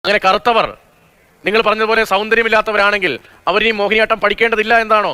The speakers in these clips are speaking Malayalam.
അങ്ങനെ കറുത്തവർ നിങ്ങൾ പറഞ്ഞതുപോലെ സൗന്ദര്യമില്ലാത്തവരാണെങ്കിൽ അവർ ഈ മോഹിനിയാട്ടം പഠിക്കേണ്ടതില്ല എന്താണോ?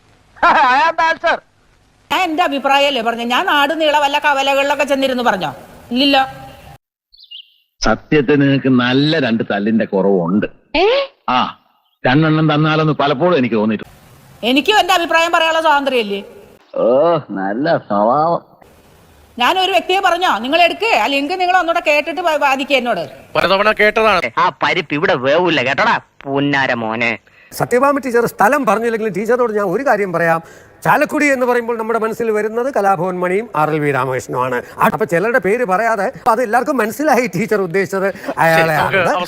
ഞാൻ എന്റെ അഭിപ്രായമല്ലേ പറഞ്ഞു. ഞാൻ നാട് നീള വല്ല കവലകളിലൊക്കെ ചെന്നിരുന്നു പറഞ്ഞോ? ഇല്ലല്ലോ. സത്യത്തിന് നിനക്ക് നല്ല രണ്ട് തല്ലിന്റെ കുറവുണ്ട്. ആ രണ്ടെണ്ണം തന്നാലെന്ന് പലപ്പോഴും എനിക്ക് തോന്നിയിട്ടുണ്ട്. എനിക്കും എന്റെ അഭിപ്രായം പറയാനുള്ള സ്വാതന്ത്ര്യമല്ലേ? ഓ നല്ല സ്വഭാവം. ഞാനൊരു വ്യക്തിയെ പറഞ്ഞോ, നിങ്ങൾ എടുക്കേ ആ ലിങ്ക് നിങ്ങൾ ഒന്നുകൂടെ കേട്ടിട്ട് ബാധിക്കുക എന്നോട്. പലതവണ കേട്ടതാണ്. ആ പരിപ്പ് ഇവിടെ വേവൂല കേട്ടോടാ പുന്നാര മോനെ. സത്യഭാമ ടീച്ചർ സ്ഥലം പറഞ്ഞില്ലെങ്കിലും ടീച്ചറോട് ഞാൻ ഒരു കാര്യം പറയാം. ചാലക്കുടി എന്ന് പറയുമ്പോൾ നമ്മുടെ മനസ്സിൽ വരുന്നത് കലാഭവൻ മണിയും RLV രാമകൃഷ്ണനുമാണ്. അപ്പൊ ചിലരുടെ പേര് പറയാതെ അത് എല്ലാവർക്കും മനസ്സിലായി ടീച്ചർ ഉദ്ദേശിച്ചത് അയാളെ.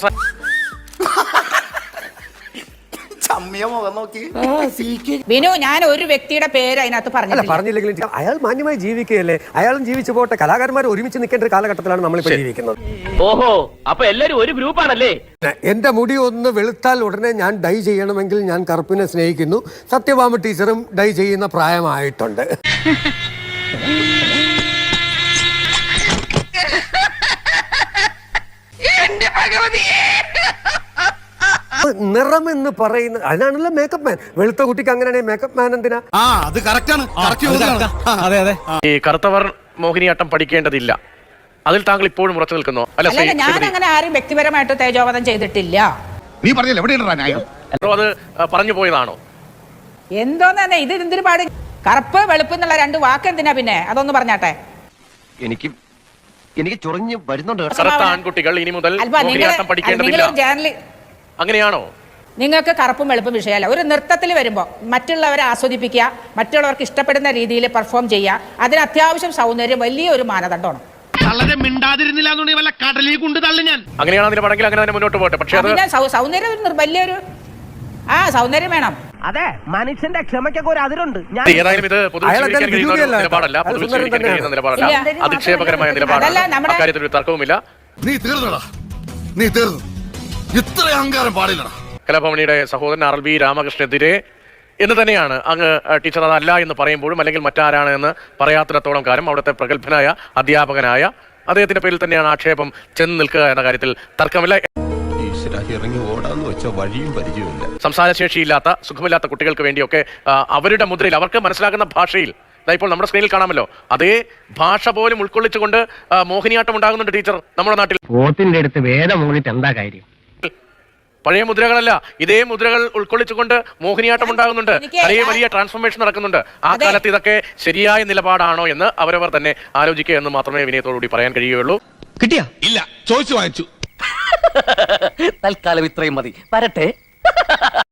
ബിനു, ഞാൻ ഒരു വ്യക്തിയുടെ പേര് അതിനകത്ത് പറഞ്ഞില്ലെങ്കിലും അയാൾ മാന്യമായി ജീവിക്കുകയല്ലേ, അയാളും ജീവിച്ചു പോട്ടെ. കലാകാരന്മാർ ഒരുമിച്ച് നിൽക്കേണ്ട ഒരു കാലഘട്ടത്തിലാണ് നമ്മളിപ്പോ ജീവിക്കുന്നത്. ഓഹോ, അപ്പൊ എല്ലാരും ഒരു ഗ്രൂപ്പാണല്ലേ? എന്റെ മുടി ഒന്ന് വെളുത്താൽ ഉടനെ ഞാൻ ഡൈ ചെയ്യണമെങ്കിൽ ഞാൻ കറുപ്പിനെ സ്നേഹിക്കുന്നു. സത്യഭാമ ടീച്ചറും ഡൈ ചെയ്യുന്ന പ്രായമായിട്ടുണ്ട്. നിറം എന്ന് പറയുന്നത് അതിനാണല്ലോ മേക്കപ്പ് മാൻ. വെളുത്ത കുട്ടിക്ക് അങ്ങനെയാണെങ്കിൽ മേക്കപ്പ് മാൻ എന്തിനാ? ഈ കറുത്തവർ മോഹിനിയാട്ടം പഠിക്കേണ്ടതില്ല, അതിൽ താങ്കൾ ഇപ്പോഴും ഉറച്ചു നിൽക്കുന്നു അല്ല? ഞാൻ അങ്ങനെ ആരും വ്യക്തിപരമായിട്ട് തേജോവധം ചെയ്തിട്ടില്ല. നീ പറഞ്ഞില്ല എവിടെയാണ് അത് പറഞ്ഞു പോയതാണോ? എന്തോന്നെ ഇത് എന്തൊരു പാട്? കറുപ്പ് വെളുപ്പ് എന്നുള്ള രണ്ട് വാക്ക് എന്തിനാ പിന്നെ? അതൊന്ന് പറഞ്ഞാട്ടെ. എനിക്ക് ചൊറിഞ്ഞ് വരുന്നുണ്ട്. കറുത്ത ആൺകുട്ടികൾ ഇനി മുതൽ മോഹിനിയാട്ടം പഠിക്കേണ്ടതില്ല, അങ്ങനെയാണോ? നിങ്ങൾക്ക് കറുപ്പും വെളുപ്പും വിഷയമല്ല. ഒരു നൃത്തത്തിൽ വരുമ്പോൾ മറ്റുള്ളവരെ ആസ്വദിപ്പിക്കുക, മറ്റുള്ളവർക്ക് ഇഷ്ടപ്പെടുന്ന രീതിയിൽ പെർഫോം ചെയ്യുക, അതിന് അത്യാവശ്യം സൗന്ദര്യം വലിയൊരു മാനദണ്ഡമാണ്. അങ്ങനെയാണ് അതിന് പണെങ്കിൽ അങ്ങനെ തന്നെ മുന്നോട്ട് പോട്ടെ. പക്ഷേ സൗന്ദര്യം വലിയൊരു സൗന്ദര്യം വേണം. അതെ, മനുഷ്യന്റെ ക്ഷമയ്ക്കൊക്കെ ഒരു അതിരുണ്ട്. ഏതായാലും ഇത് നിലപാടല്ല, അധിക്ഷേപകരമായ നിലപാടാണ്. അക്കാര്യത്തിൽ ഒരു തർക്കവുമില്ല. നീ തീർന്നടാ, നീ തീർന്നു. ഇത്ര അഹങ്കാരം പാടില്ലടാ. കലാഭവനിയുടെ സഹോദരൻ RLV രാമകൃഷ്ണനെതിരെ എന്ന് തന്നെയാണ് അങ്ങ് ടീച്ചർ അതല്ല എന്ന് പറയുമ്പോഴും അല്ലെങ്കിൽ മറ്റാരാണ് എന്ന് പറയാത്തിടത്തോളം കാലം അവിടുത്തെ പ്രഗത്ഭനായ അധ്യാപകനായ അദ്ദേഹത്തിന്റെ പേരിൽ തന്നെയാണ് ആക്ഷേപം ചെന്ന് നിൽക്കുക എന്ന കാര്യത്തിൽ തർക്കമില്ല. ഇറങ്ങി ഓടാന്ന് വെച്ച വഴിയും പരിചയമില്ല. സംസാരശേഷിയില്ലാത്ത സുഖമില്ലാത്ത കുട്ടികൾക്ക് വേണ്ടിയൊക്കെ അവരുടെ മുദ്രയിൽ അവർക്ക് മനസ്സിലാകുന്ന ഭാഷയിൽ ഇപ്പോൾ നമ്മുടെ സ്ക്രീനിൽ കാണാമല്ലോ, അതേ ഭാഷ പോലും ഉൾക്കൊള്ളിച്ചുകൊണ്ട് മോഹിനിയാട്ടം ഉണ്ടാകുന്നുണ്ട് ടീച്ചർ നമ്മുടെ നാട്ടിൽ. പോത്തിന്റെ അടുത്ത് വേദം മൂന്നിട്ട് എന്താ കാര്യം? പഴയ മുദ്രകളല്ല, ഇതേ മുദ്രകൾ ഉൾക്കൊള്ളിച്ചുകൊണ്ട് മോഹിനിയാട്ടം ഉണ്ടാകുന്നുണ്ട്. വലിയ വലിയ ട്രാൻസ്ഫോർമേഷൻ നടക്കുന്നുണ്ട്. ആ കാലത്ത് ഇതൊക്കെ ശരിയായ നിലപാടാണോ എന്ന് അവരവർ തന്നെ ആലോചിക്കുക എന്ന് മാത്രമേ വിനയത്തോടുകൂടി പറയാൻ കഴിയുകയുള്ളൂ. കിട്ടിയാ? ഇല്ല, ചോദിച്ചു വാങ്ങിച്ചു. തൽക്കാലം ഇത്രയും മതി. വരട്ടെ.